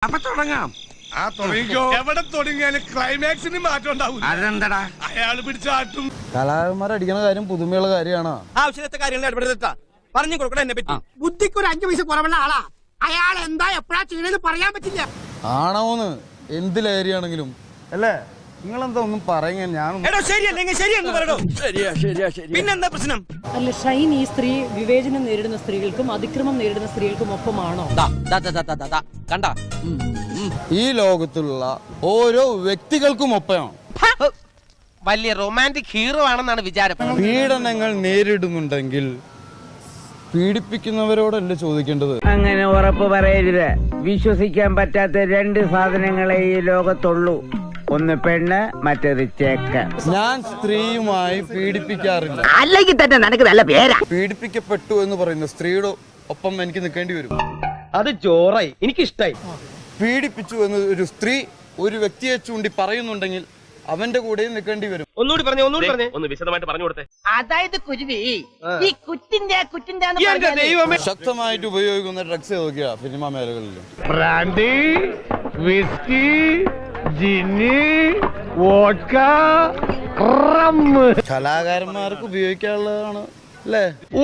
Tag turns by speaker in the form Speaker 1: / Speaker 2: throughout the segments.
Speaker 1: അപ്പൊ തുടങ്ങാം.
Speaker 2: എവിടെ തുടങ്ങിയാലും ക്ലൈമാക്സിന് മാറ്റം ഉണ്ടാവും.
Speaker 1: അതെന്താടാ?
Speaker 2: അയാള് പിടിച്ചാട്ടും.
Speaker 3: കലാകാരന്മാർ അടിക്കുന്ന കാര്യം പുതുമയുള്ള കാര്യമാണ്.
Speaker 4: ആവശ്യത്തെ കാര്യങ്ങൾ ഇടപെടുത്താ പറഞ്ഞു കൊടുക്കണം. എന്നെ പറ്റി
Speaker 5: ബുദ്ധിക്ക് ഒരു 5 പൈസ കുറവുള്ള ആളാ. അയാൾ എന്താ എപ്പോഴാ ചെയ്യണെന്ന് പറയാൻ പറ്റില്ല.
Speaker 3: ആണോന്ന് എന്ത് ലഹരിയാണെങ്കിലും അല്ലേ? നിങ്ങളെന്താ ഒന്നും പറയുക?
Speaker 4: എടോ ശരിയല്ലെങ്കിൽ ശരിയെന്ന് പറയടോ. പിന്നെന്താ പ്രശ്നം?
Speaker 6: അല്ല, ഷൈൻ ഈ സ്ത്രീ വിവേചനം നേരിടുന്ന സ്ത്രീകൾക്കും അതിക്രമം നേരിടുന്ന സ്ത്രീകൾക്കും ഒപ്പമാണോ?
Speaker 4: കണ്ട
Speaker 3: ഈ ലോകത്തുള്ള ഓരോ വ്യക്തികൾക്കും ഒപ്പമാണ്.
Speaker 7: വലിയ റൊമാൻറ്റിക് ഹീറോ ആണെന്നാണ് വിചാരം.
Speaker 3: പീഡനങ്ങൾ നേരിടുന്നുണ്ടെങ്കിൽ പീഡിപ്പിക്കുന്നവരോടല്ലേ ചോദിക്കേണ്ടത്?
Speaker 8: അങ്ങനെ ഉറപ്പ് പറയരുത്. വിശ്വസിക്കാൻ പറ്റാത്ത 2 സാധനങ്ങളെ ഈ ലോകത്തുള്ളൂ. ഒന്ന് പെണ്ണ്, മറ്റേത് ചേക്ക.
Speaker 3: ഞാൻ സ്ത്രീയുമായി പീഡിപ്പിക്കാറില്ല.
Speaker 8: അല്ലെങ്കിൽ തന്നെ നിനക്ക് നല്ല പേരാ.
Speaker 3: പീഡിപ്പിക്കപ്പെട്ടു എന്ന് പറയുന്ന സ്ത്രീയുടെ ഒപ്പം എനിക്ക് നിൽക്കേണ്ടി വരും.
Speaker 7: അത് ചോറായി, എനിക്കിഷ്ടായി.
Speaker 3: പീഡിപ്പിച്ചു എന്ന് ഒരു സ്ത്രീ ഒരു വ്യക്തിയെ ചൂണ്ടി പറയുന്നുണ്ടെങ്കിൽ അവന്റെ കൂടെയും നിൽക്കേണ്ടി വരും.
Speaker 7: ഒന്നുകൂടി പറഞ്ഞേ. ഒന്ന് വിശദമായിട്ട് പറഞ്ഞു കൊടുത്തേ.
Speaker 8: അതായത് കുരുവി ഈ കുറ്റിന്റെ
Speaker 3: ശക്തമായിട്ട് ഉപയോഗിക്കുന്ന ഡ്രഗ്സ് ഏതൊക്കെയാ സിനിമാ മേഖലകളിൽ?
Speaker 2: Brandy, whisky, gin, vodka, rum.
Speaker 3: കലാകാരന്മാർക്ക് ഉപയോഗിക്കാനുള്ളതാണ് അല്ലേ?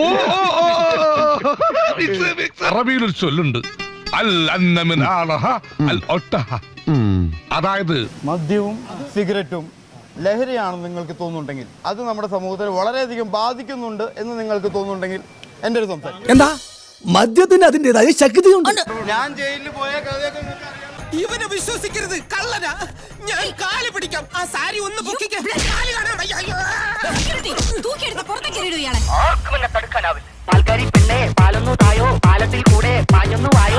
Speaker 2: അറബിയിലൊരു ചൊല്ലുണ്ട്, അൽ അന്നമിൻ ആളഹ അൽ ഒട്ടഹ. അതായത്
Speaker 3: മദ്യവും സിഗരറ്റും ലഹരിയാണെന്ന് നിങ്ങൾക്ക് തോന്നുന്നുണ്ടെങ്കിൽ, അത് നമ്മുടെ സമൂഹത്തെ വളരെയധികം ബാധിക്കുന്നുണ്ട് എന്ന് നിങ്ങൾക്ക് തോന്നുന്നുണ്ടെങ്കിൽ എന്റെ ഒരു സംസാരം
Speaker 9: എന്താ? മദ്യത്തിന് അതിന്റേതായ ശക്തിയുണ്ട്.
Speaker 3: ഞാൻ ജയിലിൽ പോയ കഥയൊക്കെ നിങ്ങൾക്ക് അറിയാം.
Speaker 4: ഇവനെ വിശ്വസിക്കരുത്, കള്ളനാ. ഞാൻ കാല് പിടിക്കാം. ആ സാരി ഒന്ന് പൊക്കിക്കാൻ.
Speaker 8: പാൽക്കാരി പെണ്ണെ പാലൊന്നു തായോ, പാലത്തിൽ കൂടെ പാഞ്ഞൊന്നു വായോ.